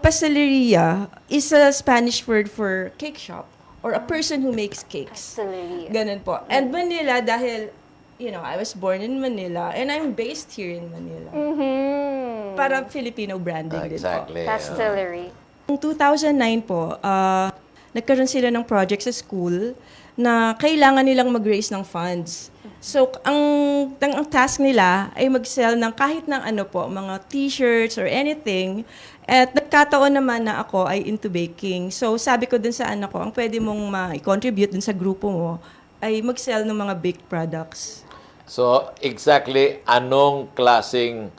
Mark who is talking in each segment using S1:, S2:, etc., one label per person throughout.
S1: pasteleria is a Spanish word for cake shop or a person who makes cakes.
S2: Pasteleria.
S1: Ganun po. And Manila, dahil, I was born in Manila and I'm based here in Manila. Parang Filipino branding din po.
S3: Exactly.
S2: Pastelery.
S1: Noong 2009 po, nagkaroon sila ng project sa school na kailangan nilang mag-raise ng funds. So, ang task nila ay mag-sell ng kahit ng mga t-shirts or anything. At nagkataon naman na ako ay into baking. So, sabi ko dun sa anak ko, ang pwede mong ma-contribute dun sa grupo mo ay mag-sell ng mga baked products.
S3: So, exactly anong klaseng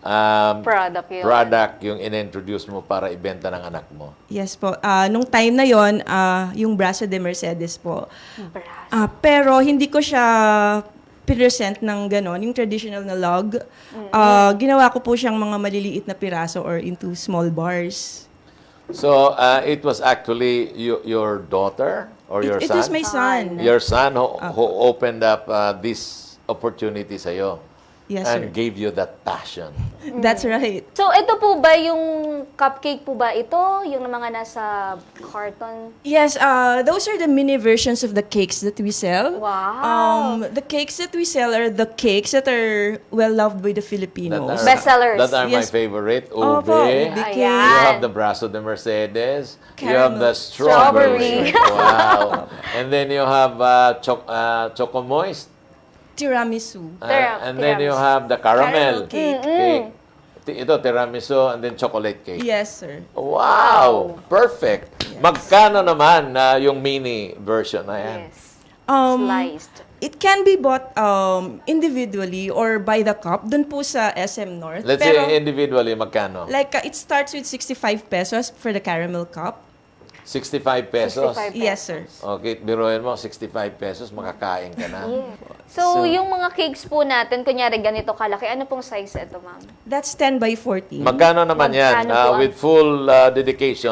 S2: Product
S3: yung in-introduce mo para ibenta ng anak mo?
S1: Yes po. Nung time na yon, yung Brazo de Mercedes po.
S2: Brazo.
S1: Pero hindi ko siya present ng ganon, yung traditional na log. Ginawa ko po siyang mga maliliit na piraso or into small bars.
S3: So, it was actually your daughter or your
S1: It
S3: son?
S1: was my son.
S3: Your son who opened up this opportunity sa'yo.
S1: Yes,
S3: and
S1: sir.
S3: gave you that passion.
S1: That's right.
S2: So, ito po ba yung cupcake po ba ito? Yung mga nasa carton?
S1: Yes, those are the mini versions of the cakes that we sell.
S2: Wow.
S1: The cakes that we sell are the cakes that are well loved by the Filipinos.
S2: Bestsellers.
S3: That are my
S1: Yes.
S3: favorite.
S1: Opo,
S3: Ube.
S1: ube
S2: Ayan.
S1: cake.
S3: You have the Brazo de Mercedes. You have the
S2: Strawberry.
S3: Wow. And then you have Choco Moist.
S1: Tiramisu.
S3: And then you have the caramel,
S1: Caramel cake.
S3: Ito, tiramisu, and then chocolate cake.
S1: Yes, sir.
S3: Wow! Perfect! Magkano naman yung mini version na yan?
S2: Yes.
S1: Um,
S2: Sliced.
S1: It can be bought individually or by the cup. Doon po sa SM North.
S3: Let's say individually, magkano?
S1: Like, it starts with 65 pesos for the caramel cup.
S3: 65 pesos.
S2: 65
S1: Yes, sir.
S3: Okay, biruin mo, 65 pesos, makakain ka na.
S2: So, yung mga cakes po natin, kunyari ganito kalaki, ano pong size ito, ma'am?
S1: That's 10 by 14.
S3: Magkano naman yan
S2: Magkano po
S3: with full dedication?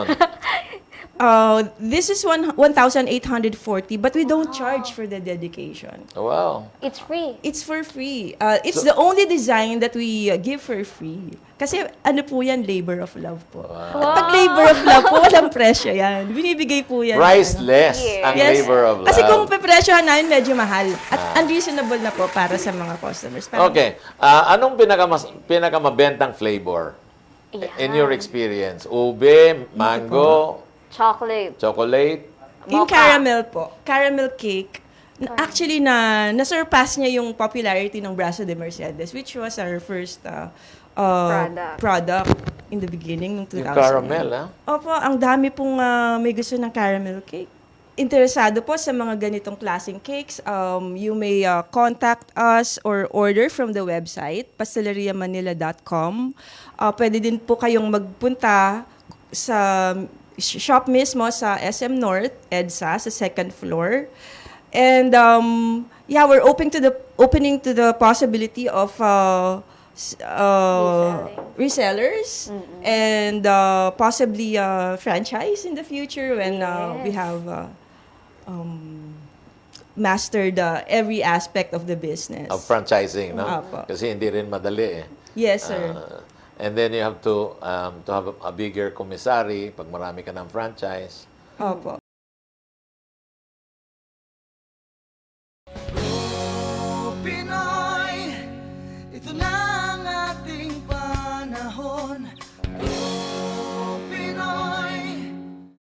S1: This is 1,840, but we don't charge for the dedication.
S3: Wow.
S2: It's free.
S1: It's for free. It's the only design that we give for free. Kasi ano po yan, labor of love po. At pag labor of love po, walang presyo yan. Binibigay po yan.
S3: Priceless
S2: Yes.
S3: ang
S1: Yes.
S3: labor of love.
S1: Kasi kung pepresyohan namin, medyo mahal. At unreasonable na po para sa mga customers. Parang,
S3: Okay. Anong pinakamabentang flavor in your experience? Ube, mango,
S2: Chocolate.
S3: chocolate?
S1: Yung
S2: Mocha.
S1: caramel po, caramel cake, actually na-surpass niya yung popularity ng Brazo de Mercedes, which was our first product in the beginning ng 2000.
S3: Yung caramel, ha?
S1: Opo, ang dami pong may gusto ng caramel cake. Interesado po sa mga ganitong klaseng cakes, you may contact us or order from the website, pasteleriamanila.com. Pwede din po kayong magpunta sa shop mismo sa SM North, EDSA, sa second floor. And we're opening to the possibility of resellers and possibly franchise in the future when we have mastered every aspect of the business.
S3: Of franchising, no?
S1: Apo.
S3: Kasi hindi rin madali eh.
S1: Yes, sir.
S3: And then you have to have a bigger commissary pag marami ka ng franchise.
S1: Opo.